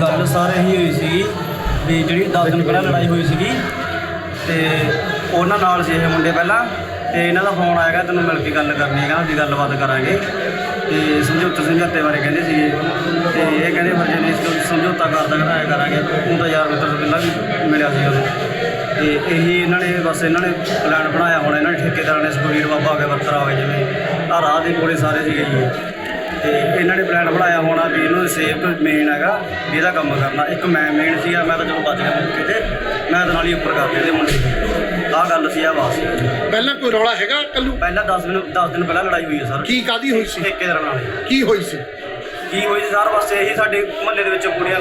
ਗੱਲ ਸਾਰੇ ਹੀ ਹੋਈ ਸੀਗੀ ਵੀ ਜਿਹੜੀ 10 ਦਿਨ ਪਹਿਲਾਂ ਲੜਾਈ ਹੋਈ ਸੀਗੀ ਤੇ ਉਹਨਾਂ ਨਾਲ ਸੀ ਇਹ ਮੁੰਡੇ ਪਹਿਲਾਂ ਤੇ ਇਹਨਾਂ ਦਾ ਫੋਨ ਆਏਗਾ ਤੈਨੂੰ ਮਿਲ ਕੇ ਗੱਲ ਕਰਨੀ ਹੈ, ਕਹਿੰਦਾ ਵੀ ਗੱਲਬਾਤ ਕਰਾਂਗੇ ਤੇ ਸਮਝੌਤੇ ਬਾਰੇ ਕਹਿੰਦੇ ਸੀਗੇ ਤੇ ਇਹ ਕਹਿੰਦੇ ਫਿਰ ਜੇ ਨਹੀਂ ਸਮਝੌਤਾ ਕਰਦਾ ਕਹਿੰਦਾ ਐਂ ਕਰਾਂਗੇ। ਉਹ ਤਾਂ ਯਾਰ ਮਿੱਤਰ ਤੋਂ ਪਹਿਲਾਂ ਵੀ ਮਿਲਿਆ ਸੀ ਉਹਨੂੰ ਤੇ ਇਹੀ ਇਹਨਾਂ ਨੇ ਬਸ ਇਹਨਾਂ ਨੇ ਪਲਾਨ ਬਣਾਇਆ ਹੋਣਾ, ਇਹਨਾਂ ਨੇ ਠੇਕੇਦਾਰਾਂ ਨੇ ਸੁਖਬੀਰ ਬਾਬਾ ਹੋ ਗਿਆ ਬੱਤਰਾ ਹੋ ਗਿਆ ਜਿਵੇਂ ਆਹ ਰਾਹ ਦੇ ਕੋਲੇ ਸਾਰੇ ਸੀਗੇ ਜੀ ਤੇ ਇਹਨਾਂ ਨੇ ਪਲਾਨ ਬਣਾਇਆ ਹੋਣਾ ਵੀ ਇਹਨੂੰ ਸੇਫ ਮੇਨ ਹੈਗਾ ਵੀ ਇਹਦਾ ਕੰਮ ਕਰਨਾ। ਇੱਕ ਮੈਂ ਮੇਨ ਸੀਗਾ, ਮੈਂ ਤਾਂ ਜਦੋਂ ਬਚ ਗਿਆ ਮੌਕੇ ਤੇ ਮੈਂ ਤਾਂ ਨਾਲ ਹੀ ਉੱਪਰ ਕਰਦੇ ਇਹਦੇ ਮੁੰਡੇ। ਆਹ ਗੱਲ ਸੀ, ਆਹ ਬਾਤ ਪਹਿਲਾਂ ਕੋਈ ਰੌਲਾ ਹੈਗਾ ਕੱਲੂ? ਪਹਿਲਾਂ 10 ਦਿਨ ਪਹਿਲਾਂ ਲੜਾਈ ਹੋਈ ਹੈ ਸਰ। ਕੀ ਕਾਹਦੀ ਹੋਈ ਸੀ? ਠੇਕੇਦਾਰਾਂ ਨਾਲ। ਕੀ ਹੋਈ ਸੀ? ਕੀ ਹੋਈ ਸੀ ਸਰ, ਬਸ ਇਹੀ ਸਾਡੇ ਮੁਹੱਲੇ ਦੇ ਵਿੱਚ ਕੁੜੀਆਂ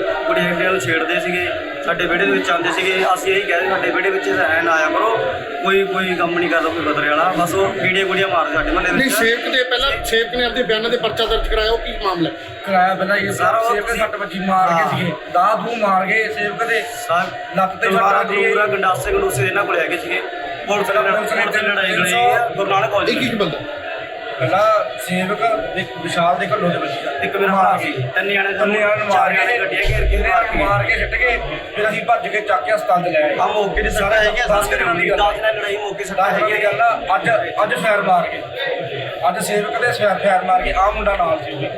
ਨੂੰ ਛੇੜਦੇ ਸੀਗੇ, ਸਾਡੇ ਵਿਹੜੇ ਦੇ ਵਿੱਚ ਆਉਂਦੇ ਸੀਗੇ। ਅਸੀਂ ਇਹੀ ਕਹਿੰਦੇ ਸਾਡੇ ਵਿਹੜੇ ਵਿੱਚ ਐਂ ਨਾ ਆਇਆ ਕਰੋ, ਕੋਈ ਕੰਮ ਨਹੀਂ ਕਰਦਾ ਕੋਈ ਬਦਰੇ ਵਾਲਾ, ਬਸ ਉਹ ਕੀੜੀਆਂ ਮਾਰਦੇ ਸਾਡੇ ਮੁਹੱਲੇ ਵਿੱਚ। ਨਹੀਂ ਸੇਵਕ ਦੇ ਪਹਿਲਾਂ ਸੇਵਕ ਨੇ ਆਪਣੇ ਬਿਆਨਾਂ ਦੇ ਪਰਚਾ ਦਰਜ ਕਰਾਇਆ, ਉਹ ਕੀ ਮਾਮਲਾ ਕਰਾਇਆ? ਪਹਿਲਾਂ ਇਹ ਸਾਰਾ ਸੇਵਕ ਦੇ 6 ਵਜੇ ਮਾਰ ਕੇ ਸੀਗੇ, ਦੂ ਮਾਰ ਗਏ ਸੇਵਕ ਦੇ ਲੱਕ ਤੇ ਪੂਰਾ ਗੰਡਾਸੇ ਇਹਨਾਂ ਕੋਲ ਹੈਗੇ ਸੀਗੇ। ਪੁਲਿਸ ਨੇ ਲੜਾਈ ਲੜੀ ਆ ਗੁਰੂ ਨਾਨਕ ਕਾਲਜ। ਇੱਕ ਬੰਦਾ ਪਹਿਲਾਂ ਸੇਵਕ ਵਿਸ਼ਾਲ ਦੇ ਘੱਲੋ ਦੇ ਬੱਚੀ ਦਾ ਇੱਕ ਮੇਰਾ ਭਰਾ ਸੀ, ਤਿੰਨ ਜਾਣੇ ਨੂੰ ਮਾਰ ਕੇ ਗੱਡੀਆਂ ਘੇਰ ਕੇ ਮਾਰ ਕੇ ਸਿੱਟ ਗਏ। ਫਿਰ ਅਸੀਂ ਭੱਜ ਕੇ ਚੱਕ ਕੇ ਹਸਪਤਾਲ ਚ ਲੈ ਆਏ। ਆ ਮੌਕੇ ਤੇ ਸਾਰਾ ਹੈਗੇ 10 ਲੜਾਈ ਮੌਕੇ ਸੱਟਾਂ ਹੈਗੀ ਗੱਲ ਆ। ਅੱਜ ਫੈਰ ਮਾਰ ਕੇ ਅੱਜ ਸੇਵਕ ਦੇ ਫੈਰ ਮਾਰ ਕੇ ਆਹ ਮੁੰਡਾ ਨਾਲ ਸੀ।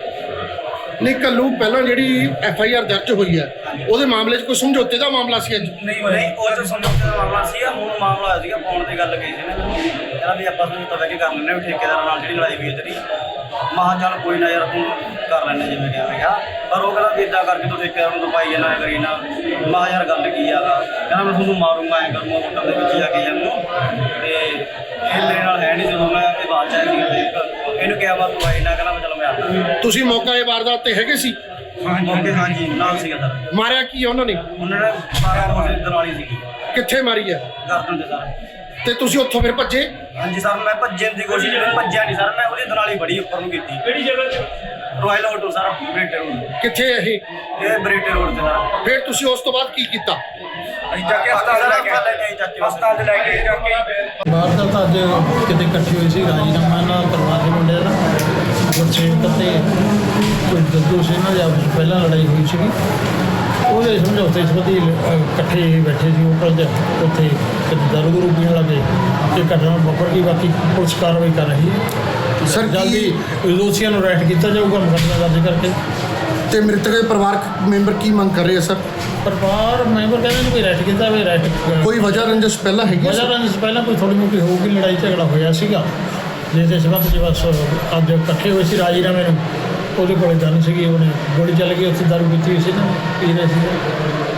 ਨਹੀਂ ਕੱਲੂ ਪਹਿਲਾਂ ਜਿਹੜੀ FIR ਦਰਜ ਹੋਈ ਹੈ ਉਹਦੇ ਮਾਮਲੇ 'ਚ ਕੋਈ ਸਮਝੌਤੇ ਦਾ ਮਾਮਲਾ ਸੀ? ਅੱਜ ਨਹੀਂ ਉਹ ਤਾਂ ਸਮਝੌਤੇ ਦਾ ਮਾਮਲਾ ਸੀਗਾ। ਹੁਣ ਮਾਮਲਾ ਹੋਇਆ ਸੀਗਾ ਫੋਨ ਤੇ ਗੱਲ ਕਹੀ ਸੀ ਨਾ ਕਹਿੰਦਾ ਵੀ ਆਪਾਂ ਸਮਝੌਤਾ ਬਹਿ ਕੇ ਕਰ ਲੈਂਦੇ ਹਾਂ ਠੇਕੇਦਾਰਾਂ ਨਾਲ ਜਿਹੜੀ ਲੜਾਈ ਹੋਈ ਤੇਰੀ। ਮਹਾ ਚੱਲ ਕੋਈ ਨਾ ਯਾਰ ਤੂੰ ਕਰ ਲੈਂਦੇ ਜਿਵੇਂ ਕਿਹਾ, ਪਰ ਉਹ ਕਹਿੰਦਾ ਵੀ ਇੱਦਾਂ ਕਰਕੇ ਤੂੰ ਠੇਕੇਦਾਰ ਨੂੰ ਦਵਾਈ ਜਾਣਾ ਕਰੀ ਨਾ। ਮਹਾ ਯਾਰ ਗੱਲ ਕੀ ਆ, ਕਹਿੰਦਾ ਮੈਂ ਤੁਹਾਨੂੰ ਮਾਰੂੰਗਾ ਐਂ ਕਰੂੰਗਾ ਮੁੰਡਾ ਦੇ ਵਿੱਚ ਜਾ ਕੇ ਜਾਨੂੰ ਤੇ ਇਹ ਮੇਰੇ ਨਾਲ ਹੈ ਨਹੀਂ। ਜਦੋਂ ਮੈਂ ਇਹ ਬਾਤ ਚਾਹੀ ਸੀ ਇਹਨੂੰ ਕਿਹਾ ਵਾ ਤੂੰ ਆਈ ਨਾ, ਕਹਿੰਦਾ ਮੈਂ ਚਲੋ ਮੈਂ ਆਉਂਦਾ। ਤੁਸੀਂ ਮੌਕਾ ਇਹ ਵਾਰਦਾਤ ਤੇ ਹੈਗੇ ਸੀ? ਹਾਂਜੀ ਨਾਲ ਸੀਗਾ ਸਰ। ਮਾਰਿਆ ਕੀ ਉਹਨਾਂ ਨੇ? ਉਹਨਾਂ ਨੇ ਮਾਰਿਆ ਦਰਾਲੀ ਸੀਗੀ। ਕਿੱਥੇ ਮਾਰੀ ਹੈ? ਗਰਦਨ ਦੇ ਸਰ। ਤੇ ਤੁਸੀਂ ਉੱਥੋਂ ਫਿਰ ਭੱਜੇ? ਹਾਂਜੀ ਸਰ, ਮੈਂ ਭੱਜਣ ਦੀ ਕੋਸ਼ਿਸ਼ ਕੀਤੀ, ਭੱਜਿਆ ਨਹੀਂ ਸਰ, ਮੈਂ ਉਹਦੀ ਦਰਾਲੀ ਬੜੀ ਉੱਪਰ ਨੂੰ ਕੀਤੀ। ਕਿਹੜੀ ਜਗ੍ਹਾ ਤੇ? Royal hotel sir, Bareta road. ਕਿੱਥੇ ਇਹ ਬਰੇਟੇ ਰੋਡ ਤੇ ਸਰ। ਫਿਰ ਤੁਸੀਂ ਉਸ ਤੋਂ ਬਾਅਦ ਕੀ ਕੀਤਾ? ਅਸੀਂ ਜਾ ਕੇ ਹਸਪਤਾਲ ਲੈ ਕੇ ਜਾ ਕੇ ਵਾਰਦਾਤ ਤਾਂ ਅੱਜ ਕਿਤੇ ਇਕੱਠੀ ਹੋਈ ਸੀ ਰਾਜੀਨਾਮਾ ਨਾਲ ਕਰਵਾ ਕੇ ਮੁੰਡਿਆਂ ਦਾ ਗੁਰਸੇਵਕ ਤੇ ਕੋਈ ਦੱਦੂ ਸੀ ਇਹਨਾਂ ਦੀ ਆਪਸ ਵਿੱਚ ਪਹਿਲਾਂ ਲੜਾਈ ਹੋਈ ਸੀਗੀ। ਉਹਦੇ ਸਮਝੌਤੇ ਸੰਬੰਧੀ ਇਕੱਠੇ ਬੈਠੇ ਸੀ ਹੋਟਲ ਦੇ ਉੱਥੇ ਦਾਰੂ ਦੂਰੂ ਪੀਣ ਲੱਗੇ ਤੇ ਘਟਨਾ ਵਾਪਰ ਗਈ। ਬਾਕੀ ਪੁਲਿਸ ਕਾਰਵਾਈ ਕਰ ਰਹੀ ਹੈ। ਸਰ ਜਲਦੀ ਦੋਸ਼ੀਆਂ ਨੂੰ ਅਰੈਸਟ ਕੀਤਾ ਜਾਊਗਾ ਮੁਕੱਦਮਾ ਦਰਜ ਕਰਕੇ। ਤੇ ਮ੍ਰਿਤਕ ਦੇ ਪਰਿਵਾਰਕ ਮੈਂਬਰ ਕੀ ਮੰਗ ਕਰ ਰਹੇ ਆ ਸਰ? ਪਰਿਵਾਰ ਮੈਂਬਰ ਕਹਿੰਦੇ ਨੇ ਵੀ ਅਰੈਸਟ ਕੀਤਾ ਵੀ ਅਰੈਸਟ ਕੋਈ ਵਜ੍ਹਾ ਰੰਜਿਸ਼ ਪਹਿਲਾਂ ਹੈਗੀ? ਵਜ੍ਹਾ ਰੰਜਿਸ਼ ਪਹਿਲਾਂ ਕੋਈ ਥੋੜ੍ਹੀ ਮੋਟੀ ਹੋਊਗੀ, ਲੜਾਈ ਝਗੜਾ ਹੋਇਆ ਸੀਗਾ ਜਿਸ ਦੇ ਸਬੰਧ 'ਚ ਬਸ ਅੱਜ ਇਕੱਠੇ ਹੋਏ ਸੀ ਰਾਜੀਨਾਮੇ ਨੂੰ। ਉਹਦੇ ਕੋਲ ਗਨ ਸੀਗੀ, ਉਹਨੇ ਗੋਲੀ ਚੱਲ ਗਈ, ਉੱਥੇ ਦਾਰੂ ਪੀਤੀ ਹੋਈ ਸੀ ਨਾ, ਪੀ ਰਹੇ ਸੀ।